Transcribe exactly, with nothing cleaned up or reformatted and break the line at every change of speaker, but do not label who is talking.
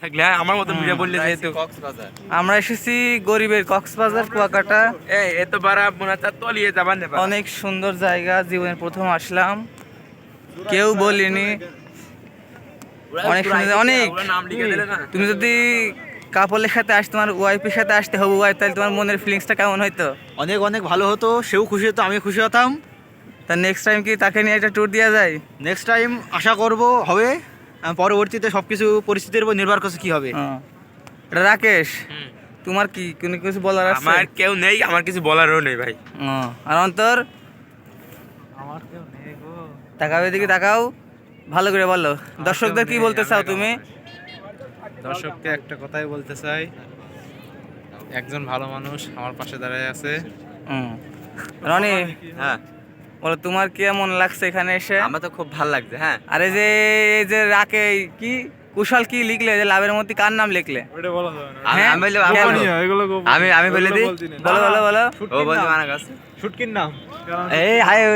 থাকলে হ্যাঁ, আমার মতন ভিডিও বললে যেহেতু
আমরা এসেছি গরিবের কক্সবাজার কুয়াকাটা।
এই এত বারা মনে হচ্ছে তলিয়ে যাবার নেবা।
অনেক সুন্দর জায়গা, জীবনের প্রথম আসলাম, কেউ বলিনি। অনেক সুন্দর, অনেক।
নাম লিখে দিলে না।
তুমি যদি কাপলের সাথে আসতে, তোমার ওয়াইফের সাথে আসতে হবু ওয়াইফ, তাহলে তোমার মনের ফিলিংসটা কেমন হয়তো?
অনেক অনেক ভালো হতো, সেও খুশি হতো, আমি খুশি হতাম।
তা নেক্সট টাইম কি তাকে নিয়ে একটা ট্যুর দেওয়া যায়?
নেক্সট টাইম আশা করব হবে। আহ, পরবর্তীতে সব কিছু পরিস্থিতির উপর নির্ভর করছে কি হবে।
হ্যাঁ। এটা রাকেশ,
হুম।
তোমার কি কোনো কিছু বলার আছে?
আমার কেউ নেই, আমার কিছু বলারও নেই ভাই।
ও, আর অন্তর?
আমার কেউ নেই গো।
তাকাও, এদিকে তাকাও, ভালো করে বলো। দর্শকদের কি বলতে চাও তুমি?
দর্শককে একটা কথাই বলতে চাই, একজন ভালো মানুষ আমার পাশে দাঁড়ায় আছে।
হুম। রনি,
হ্যাঁ,
বলো তোমার কেমন লাগছে এখানে এসে?
আমার তো খুব ভালো লাগছে। হ্যাঁ,
আর এই যে এই যে রাকে কি কুশল কি লিখলে, যে লাভের মধ্যে কার নাম লিখলে?
ওটা বলা যাবে না।
আমি
হ্যাঁ?
আমি বললে আমি বলবো।
এগুলো
আমি আমি বলে দিই।
বলো বলো বলো।
ও বলতে মানা করছে।
শুটকির নাম
এই হাই